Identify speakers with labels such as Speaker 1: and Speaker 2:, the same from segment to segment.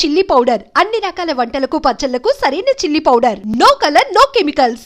Speaker 1: Chilli powder అన్ని రకాల వంటలకు పచ్చళ్లకు సరైన chilli powder. No colour no chemicals.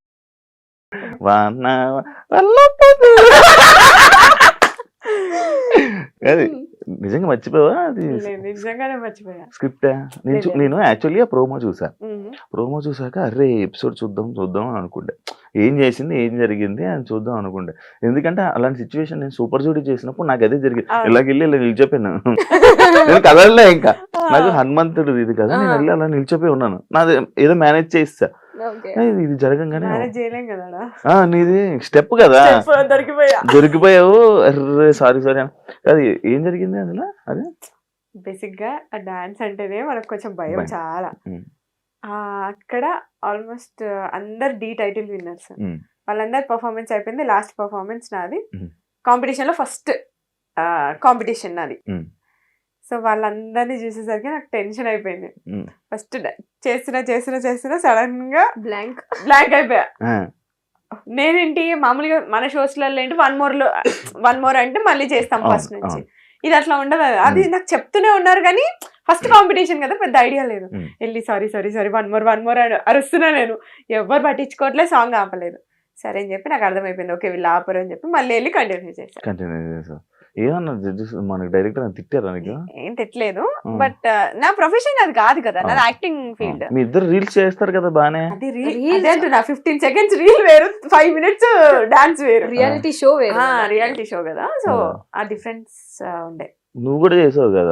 Speaker 2: అది నిజంగా మర్చిపోవా? అది
Speaker 3: నిజంగానే మర్చిపోయా
Speaker 2: స్క్రిప్ట్. నేను యాక్చువల్లీ ఆ ప్రోమో చూసా. ప్రోమో చూసాక అరే ఎపిసోడ్ చూద్దాం అనుకుంటే ఏం చేసింది ఏం జరిగింది అని చూద్దాం అనుకుంటే, ఎందుకంటే అలాంటి సిచ్యువేషన్ నేను సూపర్ జూడీ చేసినప్పుడు నాకు అదే జరిగింది. ఇలాగెళ్ళి ఇలా నిలిచిపోయాను. నేను కదలలే, ఇంకా నాకు హనుమంతుడు ఇది కదా, నేను వెళ్ళి అలా నిలిచిపోయి ఉన్నాను. నాది ఏదో మేనేజ్ చేస్తా, ఇది జరగంగానే నీది స్టెప్ కదా దొరికిపోయావు. అర్రే సారీ అది ఏం జరిగింది అందులో? అదే
Speaker 3: బేసిక్ గా డాన్స్ అంటేనే మనకు కొంచెం భయం చాలా. అక్కడ ఆల్మోస్ట్ అందరు డి టైటిల్ విన్నర్స్, వాళ్ళందరు పర్ఫార్మెన్స్ అయిపోయింది. లాస్ట్ పర్ఫార్మెన్స్ నాది, కాంపిటీషన్ లో ఫస్ట్ కాంపిటీషన్ నాది. సో వాళ్ళందరినీ చూసేసరికి నాకు టెన్షన్ అయిపోయింది. ఫస్ట్ చేస్తున్నా సడన్ గా బ్లాంక్ అయిపోయా. నేనేంటి మామూలుగా మన షోస్లలో ఏంటి వన్ మోర్ అంటే మళ్ళీ చేస్తాం ఫస్ట్ నుంచి, ఇది అట్లా ఉండదు. అది నాకు చెప్తూనే ఉన్నారు కానీ ఫస్ట్ కాంపిటీషన్ కదా, పెద్ద ఐడియా లేదు. వెళ్ళి సారీ వన్ మోర్ అరుస్తున్నా, నేను ఎవరు పట్టించుకోవట్లేదు, సాంగ్ ఆపలేదు. సరే అని చెప్పి నాకు అర్థమైపోయింది, ఓకే వీళ్ళు ఆపరు అని చెప్పి మళ్ళీ వెళ్ళి కంటిన్యూ చేశాను.
Speaker 2: ఏమన్నా మనకి డైరెక్టర్ తిట్టారా నీకు?
Speaker 3: ఏం తిట్టలేదు, బట్ నా ప్రొఫెషన్ అది కాదు కదా, నాది యాక్టింగ్ ఫీల్డ్.
Speaker 2: మీ ఇద్దరు రీల్స్ చేస్తారు కదా బానే.
Speaker 3: అది రీల్ 15 seconds రీల్ వేరు, 5 minutes డాన్స్ వేరు,
Speaker 4: రియాలిటీ షో వేరు.
Speaker 3: రియాలిటీ షో కదా, సో ఆ డిఫరెన్స్ ఉండే.
Speaker 2: నువ్వు కూడా చేసావు కదా,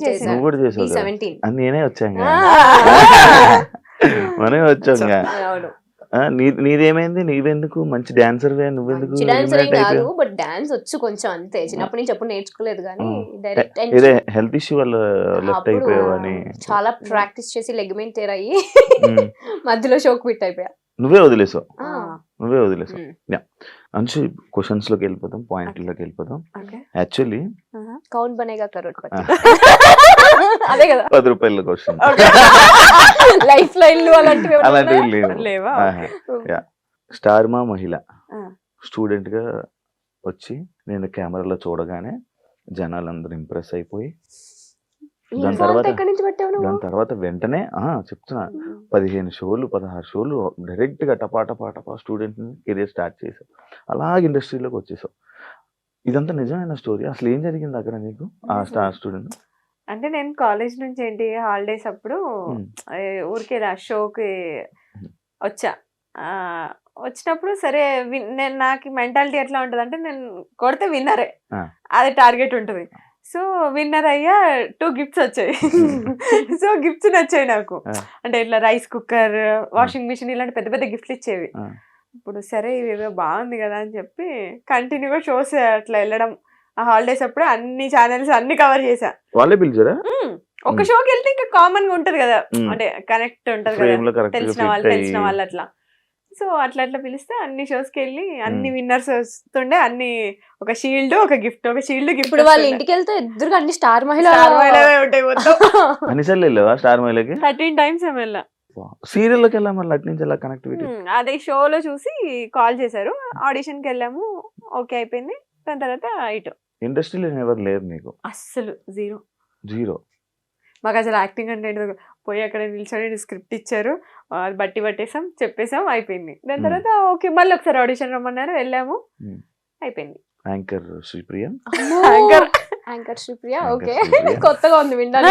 Speaker 2: నేనే వచ్చాను మనమే వచ్చాం. నీదేమైంది? నీవెందుకు మంచి డాన్సర్, నువ్వెందుకు?
Speaker 4: కాదు, బట్ డాన్స్ వచ్చు కొంచెం అంతే, చిన్నప్పటి నుంచి ఎప్పుడు నేర్చుకోలేదు కానీ డైరెక్ట్
Speaker 2: హెల్త్ ఇష్యూ వల్ల లెఫ్ట్ అయిపోయావని
Speaker 4: చాలా ప్రాక్టీస్ చేసి లెగ్మెంట్ టేర్ అయ్యి మధ్యలో షోక్ క్విట్ అయిపోయా.
Speaker 2: నువ్వే వదిలేసావు. అంశు క్వశ్చన్స్ లోకి వెళ్ళిపోతాం, పాయింట్లోకి వెళ్ళిపోతాం. యాక్చువల్లీ
Speaker 4: కౌన్ బనేగా కరోడ్పతి అదే కదా,
Speaker 2: 10 రూపాయల క్వశ్చన్.
Speaker 4: లైఫ్ లైన్లు అలాంటివి
Speaker 3: లేవా?
Speaker 2: స్టార్ మా మహిళ స్టూడెంట్ గా వచ్చి నేను కెమెరాలో చూడగానే జనాలందరూ ఇంప్రెస్ అయిపోయి దాని తర్వాత వెంటనే చెప్తున్నా 15 షోలు 16 షోలు డైరెక్ట్ గా టపా స్టూడెంట్ కెరీర్ స్టార్ట్ చేసావు, అలాగే ఇండస్ట్రీలోకి వచ్చేసావు. ఇదంతా నిజమైన స్టోరీ. అసలు ఏం జరిగింది అక్కడ నీకు ఆ స్టార్ స్టూడెంట్?
Speaker 3: అంటే నేను కాలేజ్ నుంచి ఏంటి హాలిడేస్ అప్పుడు ఊరికే షోకి వచ్చినప్పుడు సరే నేను నాకు మెంటాలిటీ ఎట్లా ఉంటుంది అంటే నేను కొడితే విన్నరే, అది టార్గెట్ ఉంటుంది. సో విన్నర్ అయ్యా 2 gifts వచ్చాయి. సో గిఫ్ట్స్ నచ్చాయి నాకు, అంటే ఇట్లా రైస్ కుక్కర్, వాషింగ్ మిషన్ ఇలాంటి పెద్ద పెద్ద గిఫ్ట్లు ఇచ్చేవి. ఇప్పుడు సరే ఇవేదో బాగుంది కదా అని చెప్పి కంటిన్యూగా షోస్ అట్లా వెళ్ళడం. ఆ హాలిడేస్ అప్పుడు అన్ని ఛానల్స్ అన్ని కవర్ చేసా.
Speaker 2: వాళ్ళే పిలిచారా?
Speaker 3: ఒక షోకి వెళ్తే ఇంకా కామన్ గా ఉంటది కదా, అంటే కనెక్ట్ ఉంటది కదా, తెలిసిన వాళ్ళు అట్లా. సో అట్లా పిలిస్తే అన్ని షోస్ కి వెళ్ళి అన్ని విన్నర్స్ వస్తుండే, అన్ని ఒక షీల్డ్ ఒక గిఫ్ట్, ఒక షీల్డ్ గిఫ్ట్.
Speaker 4: ఇప్పుడు వాళ్ళ ఇంటికి వెళ్తే ఎదురుగా అన్ని స్టార్ మహిళ
Speaker 3: ఉంటాయి మొత్తం.
Speaker 2: అన్నిసార్లు వెళ్ళావా స్టార్ మహిళకి?
Speaker 3: 13 times వెళ్ళా.
Speaker 2: సీరియల్ లోకి వెళ్ళా, మళ్ళీ అటు నుంచి ఎలా కనెక్టివిటీ?
Speaker 3: అదే షోలో చూసి కాల్ చేశారు, ఆడిషన్ కి వెళ్ళాము, ఓకే అయిపోయింది. దాని తర్వాత ఇటు
Speaker 2: ఇండస్ట్రీలో ఎవరు లేరు నీకు?
Speaker 3: అస్సలు జీరో.
Speaker 4: మాకు అసలు యాక్టింగ్ అంటే పోయి అక్కడ నిల్చొని స్క్రిప్ట్ ఇచ్చారు, అది బట్టి పట్టేసాం, చెప్పేసాం, అయిపోయింది. దాని తర్వాత ఓకే మళ్ళీ ఒకసారి ఆడిషన్ రమ్మన్నారు, వెళ్ళాము, అయిపోయింది.
Speaker 2: Anchor Sripriya,
Speaker 4: anchor Sripriya okay, కొత్తగా ఉంది విండాలి.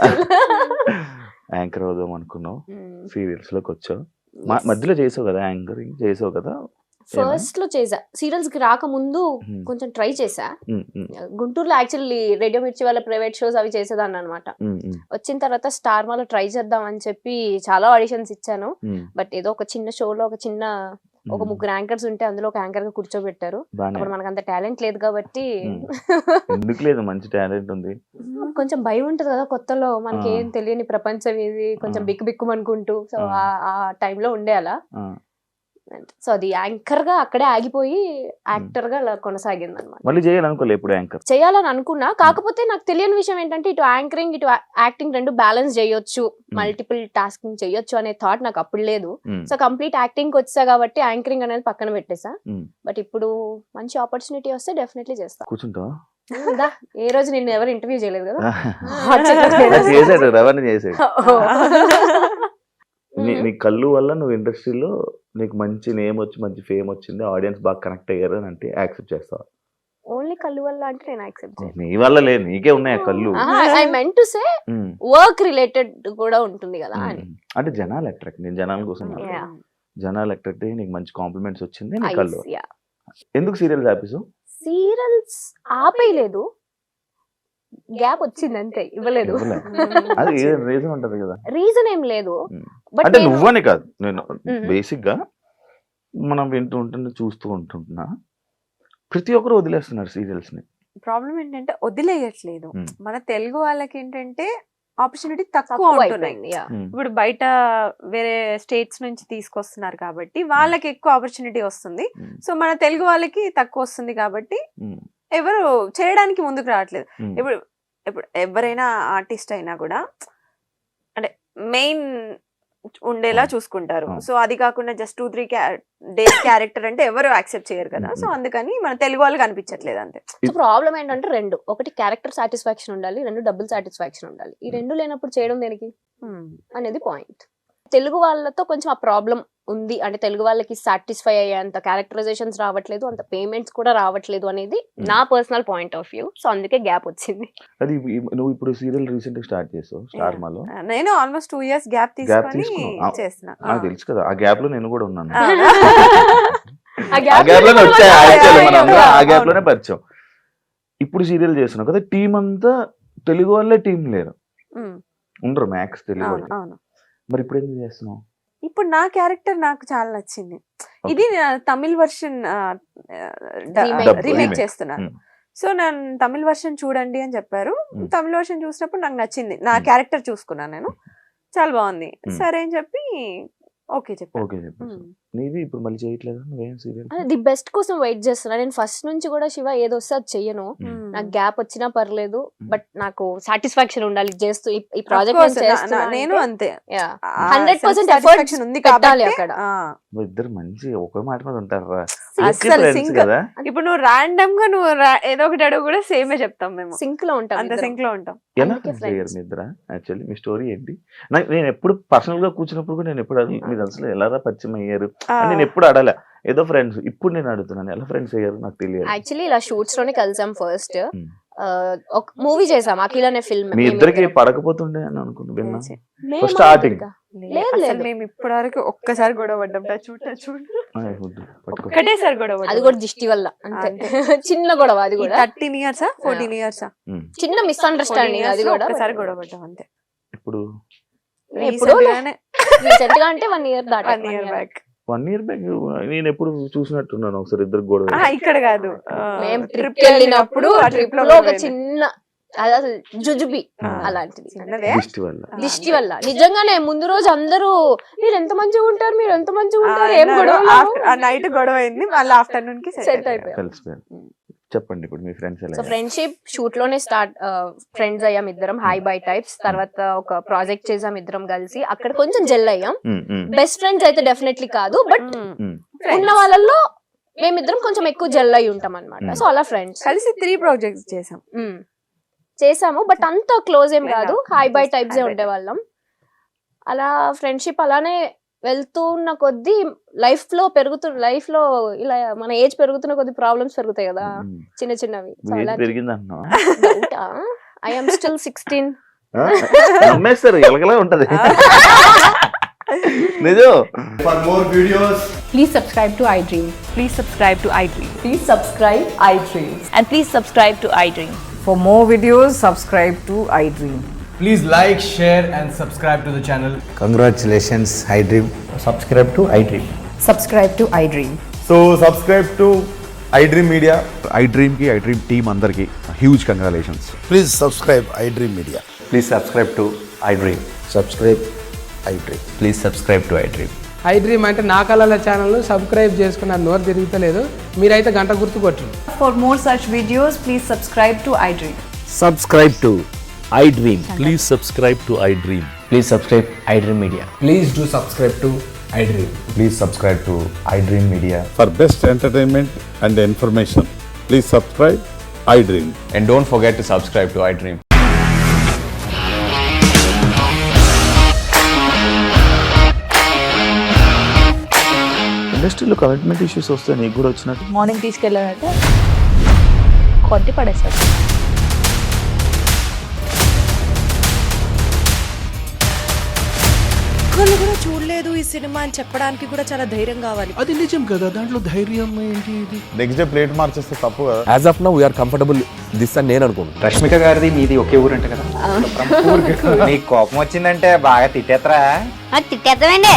Speaker 2: యాంకర్ అవుదాం అనుకున్నావు, సీరియల్స్ లోకి వచ్చావు, మధ్యలో చేసావు కదా, యాంకరింగ్ చేసావు కదా.
Speaker 4: ఫస్ట్ లో చేసా, సీరియల్స్ కి రాకముందు కొంచెం ట్రై చేసా. గుంటూరులో యాక్చువల్లీ రేడియో మిర్చి వాళ్ళ ప్రైవేట్ షోస్ అవి చేసేదాన్ని అనమాట. వచ్చిన తర్వాత స్టార్ మాలో ట్రై చేద్దాం అని చెప్పి చాలా ఆడిషన్స్ ఇచ్చాను. బట్ ఏదో ఒక చిన్న షోలో ఒక 3 యాంకర్స్ ఉంటే అందులో ఒక యాంకర్ గా కూర్చోబెట్టారు. అప్పుడు మనకు అంత టాలెంట్ లేదు కాబట్టి,
Speaker 2: మంచి టాలెంట్ ఉంది,
Speaker 4: కొంచెం భయం ఉంటది కదా కొత్తలో, మనకి ఏం తెలియని ప్రపంచం ఇది, కొంచెం బిక్కు సో ఆ టైంలో ఉండే అలా. సో అది యాంకర్ గా అక్కడే ఆగిపోయి యాక్టర్ గా కొనసాగింది అనమాట.
Speaker 2: మళ్ళీ చేయాలనుకోలే ఎప్పుడు యాంకర్
Speaker 4: చేయాలని అనుకున్నా, కాకపోతే నాకు తెలియని విషయం ఏంటంటే ఇటు యాంకరింగ్ ఇటు యాక్టింగ్ 2 బ్యాలెన్స్ చేయొచ్చు, మల్టిపుల్ టాస్కింగ్ చేయొచ్చు అనే థాట్ నాకు అప్పుడు లేదు. సో కంప్లీట్ యాక్టింగ్ వచ్చా కాబట్టి యాంకరింగ్ అనేది పక్కన పెట్టేసా. బట్ ఇప్పుడు మంచి ఆపర్చునిటీ వస్తే డెఫినెట్లీ చేస్తా.
Speaker 2: కూర్చుంటా
Speaker 4: దా, ఏ రోజు నిన్ను ఎవరు ఇంటర్వ్యూ చేయలేదు కదా.
Speaker 2: చేసాడు, రవాణా చేసాడు. నీ కళ్ళు వల్ల నువ్వు ఇండస్ట్రీలో నీకు మంచి నేమ్ వచ్చి మంచి ఫేమ్ వచ్చింది, ఆడియన్స్ బాగా కనెక్ట్ అయ్యారు అని అంటే యాక్సెప్ట్ చేస్తావా?
Speaker 4: ఓన్లీ కళ్ళు వల్ల అంటే నేను యాక్సెప్ట్ చేయను.
Speaker 2: నీ వల్ల లేదు, నీకే ఉన్నాయి ఆ కళ్ళు.
Speaker 4: I meant to say work related కూడా ఉంటుంది కదా అని.
Speaker 2: అంటే జనాలు అట్రాక్ట్, నేను జనాల కోసం
Speaker 4: Yeah.
Speaker 2: జనాలు అట్రాక్ట్ అయ్యి నీకు మంచి కాంప్లిమెంట్స్ వచ్చింది నీ
Speaker 4: Eyes,
Speaker 2: కళ్ళు.
Speaker 4: yeah.
Speaker 2: ఎందుకు సీరియల్స్ ఆపేసావు?
Speaker 4: సీరియల్స్ ఆపేయలేదు, గ్యాప్ వచ్చింది అంతే, ఇవ్వలేదు.
Speaker 2: అది రీజన్ ఉంటది కదా.
Speaker 4: రీజన్ ఏం లేదు.
Speaker 2: Mm.
Speaker 4: బట్
Speaker 2: అంటే నువ్వని కాదు, నేను బేసిక్ గా మనం వింటూ ఉంటుంటే చూస్తూ ఉంటున్నా ప్రతి ఒక్కరు వదిలేస్తున్నారు సీరియల్స్ ని.
Speaker 3: ప్రాబ్లం ఏంటంటే వదిలేయట్లేదు. మన తెలుగు వాళ్ళకి ఏంటంటే ఆపర్చునిటీ తక్కువ
Speaker 4: తక్కువ
Speaker 3: ఉంటున్నాయి.
Speaker 4: అయిపోయింది. Yeah.
Speaker 3: ఇప్పుడు బయట వేరే స్టేట్స్ నుంచి తీసుకొస్తున్నారు కాబట్టి వాళ్ళకి ఎక్కువ ఆపర్చునిటీ వస్తుంది. సో మన తెలుగు వాళ్ళకి తక్కువ వస్తుంది కాబట్టి ఎవరు చేయడానికి ముందుకు రావట్లేదు. ఇప్పుడు ఇప్పుడు ఎవరైనా ఆర్టిస్ట్ అయినా కూడా అంటే మెయిన్ ఉండేలా చూసుకుంటారు. సో అది కాకుండా జస్ట్ 2-3 డేస్ క్యారెక్టర్ అంటే ఎవరు యాక్సెప్ట్ చేయరు కదా. సో అందుకని మన తెలుగు వాళ్ళకి అనిపించట్లేదు అంతే.
Speaker 4: సో ప్రాబ్లం ఏంటంటే రెండు, ఒకటి క్యారెక్టర్ సాటిస్ఫాక్షన్ ఉండాలి, రెండు డబ్బుల్ సాటిస్ఫాక్షన్ ఉండాలి. ఈ రెండు లేనప్పుడు చేయడం దేనికి అనేది పాయింట్. తెలుగు వాళ్ళతో కొంచెం ఆ ప్రాబ్లం ఉంది. అంటే తెలుగు వాళ్ళకి సాటిస్ఫై అయ్యేంత క్యారెక్టరైజేషన్స్ రావట్లేదు, అంత పేమెంట్స్ కూడా రావట్లేదు అనేది నా personal point of view. So అందుకే గ్యాప్ వచ్చింది.
Speaker 2: అది నువ్వు ఇప్పుడు సీరియల్ రీసెంట్ గా స్టార్ట్ చేసావు స్టార్ మాలో.
Speaker 3: నేను ఆల్మోస్ట్ 2 years గ్యాప్ తీసుకొని చేస్తున్నా.
Speaker 2: నాకు తెలుసు కదా, ఆ గ్యాప్ లో నేను కూడా ఉన్నాను.
Speaker 4: ఆ
Speaker 2: ఆ
Speaker 4: gap
Speaker 2: గ్యాప్ లోనే వచ్చాయి actually మనం అందరం, ఆ
Speaker 3: అవును.
Speaker 2: గ్యాప్ లోనే పరిచయం. ఇప్పుడు సీరియల్ చేస్తున్నావు కదా, టీం అంతా తెలుగు వాళ్ళే, టీం లేరు, ఉండరు మ్యాక్స్ తెలుగు
Speaker 3: అవును
Speaker 2: వాళ్ళు.
Speaker 3: అవును.
Speaker 2: మరి ఇప్పుడు ఎందుకు చేస్తున్నావు?
Speaker 3: ఇప్పుడు నా క్యారెక్టర్ నాకు చాలా నచ్చింది. ఇది తమిళ్ వర్షన్
Speaker 4: Remake.
Speaker 3: రీమేక్ చేస్తున్నాను. సో నేను తమిళ్ వర్షన్ చూడండి అని చెప్పారు. తమిళ్ వర్షన్ చూసినప్పుడు నాకు నచ్చింది, నా క్యారెక్టర్ చూసుకున్నాను నేను, చాలా బాగుంది. సరే అని చెప్పి ఓకే చెప్పాను.
Speaker 2: ఓకే చెప్పేసి నీది ఇప్పుడు మళ్ళీ చేయట్లేదు నువ్వేం సీరియల్?
Speaker 4: ది బెస్ట్ కోసం వెయిట్ చేస్తున్నా. నేను ఫస్ట్ నుంచి కూడా శివ ఏదో వస్తే అది చెయ్యను, నాకు గ్యాప్ వచ్చినా పర్లేదు, బట్ నాకు సాటిస్ఫాక్షన్ ఉండాలి చేస్తూ ఈ ప్రాజెక్ట్
Speaker 3: నేను అంతే
Speaker 4: 100% ఎఫర్ట్స్
Speaker 3: ఉంది
Speaker 4: పెట్టాలి
Speaker 3: కాబట్టి.
Speaker 4: అక్కడ.
Speaker 2: ఇద్దరు మంచి ఒకే మాట మీద ఉంటారా
Speaker 3: అస్సలు
Speaker 2: ఫ్రెండ్స్
Speaker 3: sync.
Speaker 2: కదా.
Speaker 3: ఇప్పుడు నువ్వు ర్యాండమ్ గా నువ్వు ఏదో ఒకటి అడుగు కూడా సేమే చెప్తాం మేము,
Speaker 4: సింక్ లో ఉంటాం
Speaker 3: అంత
Speaker 4: ఇద్దరం.
Speaker 3: సింక్ లో ఉంటాం.
Speaker 2: ఎలా
Speaker 4: అందుకే
Speaker 2: ఫ్రెండ్స్ అయ్యారు
Speaker 4: friends.
Speaker 2: మీ ఇద్దరా? యాక్చువల్లీ మీ స్టోరీ ఏంటి? నేను ఎప్పుడు పర్సనల్ గా కూర్చున్నప్పుడు కూడా నేను ఎప్పుడు మీరు అసలు ఎలా పరిచయం అయ్యారు అని నేను ఎప్పుడు అడగలే, ఏదో ఫ్రెండ్స్. ఇప్పుడు నేను అడుగుతున్నాను ఎలా ఫ్రెండ్స్ అయ్యారు నాకు తెలియదు.
Speaker 4: యాక్చువల్లీ ఇలా షూట్స్ లోనే కలిసాం ఫస్ట్. ఒక మూవీ చేసాం అఖిల్ అనే ఫిల్మ్.
Speaker 2: మీ ఇద్దరికి పడకపోతుండే అని అనుకుంటా విన్నా. starting.
Speaker 4: లేదు,
Speaker 3: అసలు
Speaker 4: లేదు.
Speaker 3: మేము ఇప్పటి వరకు ఒక్కసారి గొడవ పడ్డాం. చూడు
Speaker 2: పట్టుకో.
Speaker 3: ఒకటేసారి గొడవ
Speaker 4: అది
Speaker 3: పడ్డాం.
Speaker 4: కూడా దిష్టి వల్ల అంతే. చిన్న గొడవ అది కూడా,
Speaker 3: 13 years 14 years
Speaker 4: చిన్న మిస్అండర్స్టాండింగ్ అది కూడా.
Speaker 3: ఒక్కసారి గొడవ పడ్డాం అంతే.
Speaker 2: ఇప్పుడు
Speaker 4: ఎప్పుడో
Speaker 3: Recent గానే
Speaker 4: రీసెంట్ గా అంటే 1 year దాటా.
Speaker 3: 1 year back.
Speaker 2: 1 year బ్యాక్ నేను ఎప్పుడు చూసినట్టున్నాను ఒకసారి ఇద్దరు గొడవ.
Speaker 3: ఇక్కడ కాదు,
Speaker 4: మేము
Speaker 3: trip
Speaker 4: ట్రిప్ వెళ్ళినప్పుడు
Speaker 3: ఆ
Speaker 4: ట్రిప్
Speaker 3: trip లో
Speaker 4: లో ఒక
Speaker 3: గొడవ అయింది.
Speaker 4: చిన్న అది అసలు జుజుబి అలాంటిది.
Speaker 3: చిన్నదే.
Speaker 2: దిష్టి వల్ల.
Speaker 4: దిష్టి వల్ల నిజంగానే ముందు రోజు అందరూ మీరు ఎంత మంచిగా ఉంటారు, మీరు ఎంత మంచిగా ఉంటారు, ఏం గొడవ
Speaker 3: ఆ నైట్ గొడవ అయింది, మళ్ళీ ఆఫ్టర్నూన్ కి
Speaker 4: సెట్
Speaker 3: సెట్
Speaker 4: అయిపోయాం.
Speaker 2: కలిసిపోయారు. చెప్పండి ఇప్పుడు మీ ఫ్రెండ్స్ ఎలా?
Speaker 4: సో ఫ్రెండ్షిప్ షూట్ లోనే స్టార్ట్, ఫ్రెండ్స్ అయ్యాం ఇద్దరం, హై బై టైప్స్. తర్వాత ఒక ప్రాజెక్ట్ చేసాం ఇద్దరం కలిసి, అక్కడ కొంచెం జెల్ అయ్యాం. బెస్ట్ ఫ్రెండ్స్ అయితే డెఫినెట్లీ కాదు, బట్ ఉన్న వాళ్ళల్లో మేమిద్దరం కొంచెం ఎక్కువ జెల్ అయి ఉంటాం అనమాట. సో అలా ఫ్రెండ్స్
Speaker 3: కలిసి 3 projects చేసాం.
Speaker 4: చేసాము, బట్ అంత క్లోజ్ ఏం కాదు, హై బై టైప్స్ ఏ ఉండేవాళ్ళం. అలా ఫ్రెండ్షిప్ అలానే వెళ్తూ ఉన్న కొద్దీ లైఫ్ లో ఇలా మన ఏజ్ పెరుగుతున్న కొద్ది ప్రాబ్లమ్స్ పెరుగుతాయి కదా, చిన్న చిన్నవి.
Speaker 2: పెరిగింది అంటున్నావా?
Speaker 4: I am still 16.
Speaker 2: నమ్మేస్తారు, ఎలగలా ఉంటది నిజం.
Speaker 5: For more videos,
Speaker 6: Please subscribe to iDream.
Speaker 7: Please subscribe to iDream.
Speaker 6: Please subscribe iDream.
Speaker 7: And please subscribe to iDream.
Speaker 6: For more videos, subscribe to iDream.
Speaker 5: please like, share and subscribe to the channel.
Speaker 8: Congratulations, iDream. Subscribe to iDream.
Speaker 6: Subscribe to iDream.
Speaker 5: So subscribe to iDream Media.
Speaker 9: iDream ki iDream team andarki huge congratulations.
Speaker 8: Please subscribe iDream Media.
Speaker 10: Please subscribe to iDream.
Speaker 8: Subscribe iDream.
Speaker 10: Please subscribe to iDream.
Speaker 11: iDream అంటే నా కళల channel subscribe చేసుకున్నారు, నోరు తిరుగుతలేదు, మీరైతే గంట గుర్తు కొట్టండి.
Speaker 6: For more such videos, please subscribe to iDream.
Speaker 10: Subscribe to iDream. Please subscribe to iDream. Please subscribe iDream Media.
Speaker 5: Please do subscribe to iDream.
Speaker 10: Please subscribe to iDream Media.
Speaker 9: For best entertainment and information, please subscribe
Speaker 10: iDream.
Speaker 5: And don't forget to subscribe to iDream.
Speaker 2: ఇండస్ట్రీలో commitment issues వస్తే నీకు కూడా వచ్చినట్టు
Speaker 7: morning తీసుకెళ్ళాలంటే కొట్టి పడేస్తారు.
Speaker 6: ఒక్కళ్ళు కూడా చూడలేదు ఈ సినిమా అని చెప్పడానికి కూడా చాలా ధైర్యం కావాలి.
Speaker 11: అది నిజం కదా, దాంట్లో ధైర్యం ఏంటి? ఇది
Speaker 5: నెక్స్ట్ డే ప్లేట్ మార్చేస్తే తప్పు కదా.
Speaker 10: As of now, we are comfortable this అని నేను అనుకుంటున్నాను.
Speaker 8: రష్మిక గారిది మీది ఒకే ఊరంట కదా. నీకు కోపం వచ్చిందంటే బాగా తిట్టేత్తరా?
Speaker 4: తిట్టేద్దామండి.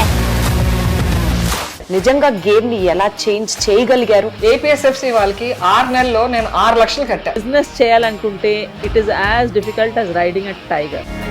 Speaker 6: నిజంగా గేమ్ ని ఎలా చేంజ్ చేయగలిగారు?
Speaker 11: ఏపీఎస్ఎఫ్సి వాళ్ళకి 6 నెలల్లో నేను 6 లక్షలు కట్టా.
Speaker 7: బిజినెస్ చేయాలనుకుంటే it is as difficult as riding a tiger.